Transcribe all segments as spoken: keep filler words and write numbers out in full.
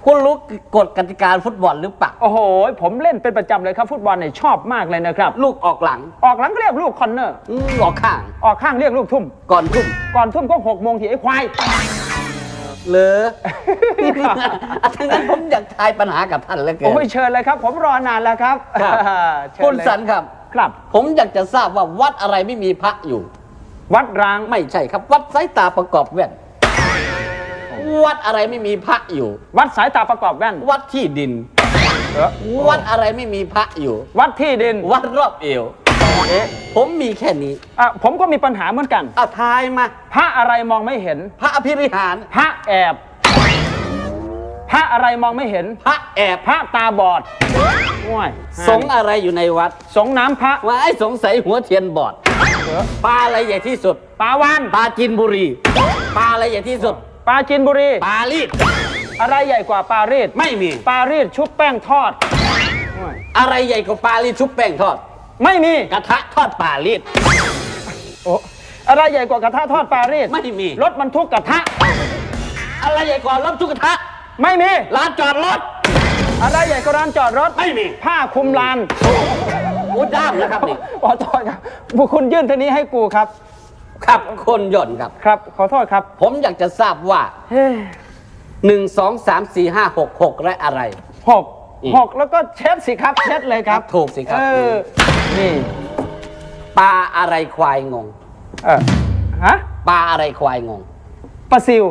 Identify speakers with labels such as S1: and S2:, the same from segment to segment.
S1: คุณรู้กฎกติกาฟุตบอลหรือเปล่า
S2: โอ้โหผมเล่นเป็นประจำเลยครับฟุตบอลเนี่ยชอบมากเลยนะครับ
S1: ลูกออกหลัง
S2: ออกหลังก็เรียกลูกคอร์เนอร์
S1: ออกข้าง
S2: ออกข้างเรียกลูกทุ่ม
S1: ก่อนทุ่ม
S2: ก่อนทุ่มก็หกโมงทีไอ้ควาย
S1: เหรอทั้งนั้นผมอยากทายปัญหากับท่านแล้วเกิน
S2: โอ้ยเชิญเลยครับผมรอนานแล้วครับ
S1: คุณสันครับ
S2: ครับ
S1: ผมอยากจะทราบว่าวัดอะไรไม่มีพระอยู่
S2: วัดร้าง
S1: ไม่ใช่ครับวัดสายตาประกอบแว่นวัดอะไรไม่มีพระอยู่
S2: วัดสายตาประกอบแว่น
S1: วัดที่ดินวัดอะไรไม่มีพระอยู่
S2: วัดที่ดิน
S1: วัดรอบเอวเอ๊ะผมมีแค่นี้
S2: อ่ะผมก็มีปัญหาเหมือนกัน
S1: อ่ะทายมา
S2: พระอะไรมองไม่เห็น
S1: พระอภิริหาร
S2: พระแอบพระอะไรมองไม่เห็น
S1: พระแอบ
S2: พระตาบอดว้าย
S1: สงอะไรอยู่ในวัด
S2: สงน้ำพระ
S1: ว่าไอ้สงสัยหัวเทียนบอดปลาอะไรใหญ่ที่สุด
S2: ปลาวาน
S1: ปลาจีนบุรีปลาอะไรใหญ่ที่สุด
S2: ปลาจีนบุรี
S1: ปลาลีด
S2: อะไรใหญ่กว่าปลารีด
S1: ไม่มี
S2: ปลารีดชุบแป้งทอด
S1: อะไรใหญ่กว่าปลาลีดชุบแป้งทอด
S2: ไม่มี
S1: กระทะทอดปลาลีด
S2: โอ้อะไรใหญ่กว่ากระทะทอดปลารีด
S1: ไม่มี
S2: รถบรรทุกกระทะ
S1: อะไรใหญ่กว่ารถบรรทุกกระทะ
S2: ไม่มี
S1: ลานจอดรถ
S2: อะไรใหญ่กว่าร้านจอดรถ
S1: ไม่มี
S2: ผ้าคลุมลาน
S1: โอ้ด้ามนะครับนี่
S2: ขอโทษครับบุคคลยื่นเท่านี้ให้กูครับ
S1: ครับคนย่นครับ
S2: ครับขอโทษครับ
S1: ผมอยากจะทราบว่าหนึ่งสองสามสี่ห้าหกหกและอะไร
S2: หกหกแล้วก็เช็ดสิครับเช็ดเลยครับ
S1: ถูกสิครับ
S2: นี่
S1: ปลาอะไรควายงง
S2: เออฮะ
S1: ปลาอะไรควายงง
S2: ปลาซิว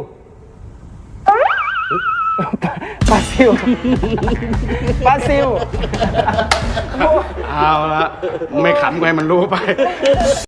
S2: ปลาซิวปลาซิว
S3: เอาละไม่ขำไงมันรู้ไป